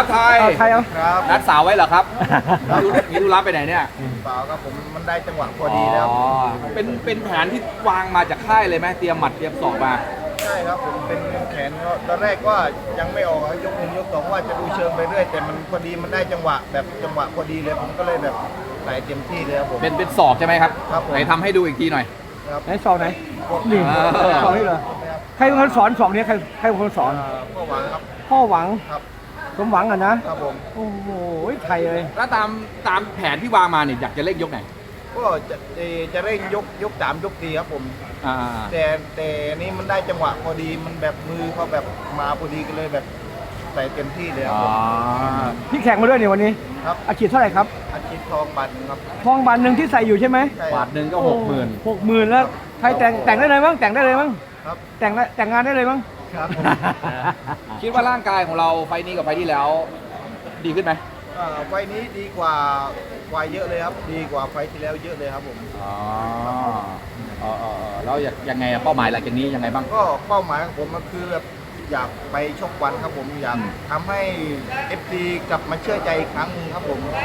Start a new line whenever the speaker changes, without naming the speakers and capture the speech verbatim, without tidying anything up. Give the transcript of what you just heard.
ไทย
เอาไทยเอา
ครับ
นัดสาวไว้เหรอครับมีธุมีธุระไปไหนเนี่ย
เปล่าครับผมมันได้จังหวะพอดีแล้ว
อ๋อเป็นเป็นแผนที่วางมาจากค่ายเลยไหมเตรียมหมัดเตรียมศอกมา
ใช่ครับผมเป็นแขนก็ตอนแรกว่ายังไม่ออกครับยกหนึ่งยกสองว่าจะดูเชิงไปเรื่อยแต่มันพอดีมันได้จังหวะแบบจังหวะพอดีเลยผมก็เลยแบบใส่เต็มที่เลยครับผม
เป็นเป็นศอกใช่ไหมครับ
ครับผม
ไหนทำให้ดูอีกทีหน่อย
ครับ
ไหนสอนไหนนี่
อ่า
สอนนี่เหรอใครเป็นคนสอนสองนี้ใครใครเป็นคนสอน
อ่าก็หวังครับ
พ่อหวัง
ครับ
สมหวังอ่ะนะครับ
ผม
โอ้โหไทยเลย
แล้วตามตามแผนที่วางมาเนี่ยอยากจะเล่นยกไหน
ก็จะเอ่อจะเร่งยกยกสามยกสี่ครับผม
อ่า
แต่แต่นี่มันได้จังหวะพอดีมันแบบมือเขาแบบมาพอดีกันเลยแบบใส่เต็มที่เลยครับ
อ๋อ
ผม
พี่แข่งมาด้วยเนี่ยวันนี้
ครับ
อาชีพเท่าไหร่ครับ
อาชีพทองบันครับ
ทองบานหนึ่งที่ใส่อยู่ใช่ไหม
ใช่
บาทหนึ่งก็หกหมื่น
หกหมื่นแล้วไทยแต่งแต่งได้เลยมั้งแต่งได้เลยมั้ง
ครับ
แต่งได้แต่งงานได้เลยมั้ง
ครับผม
คิดว่าร่างกายของเราไฟล์นี้กับไฟล์ที่แล้ว ดีขึ้นไหม
อ่าไฟล์นี้ดีกว่าไฟล์เยอะเลยครับ ดีกว่าไฟล์ที่แล้วเยอะเลยครับผม
อ๋ออ๋ออ๋ออ๋อแล้วอยากยังไงอะเป้าหมายหลังจากนี้ยังไงบ้าง
ก็เป้าหมายของผมก็คือแบบอยากไปชกวันครับผมอยาก
อืม
ทำให้ เอฟ ซี กลับมาเชื่อใจอีกครั้งหนึงครับผม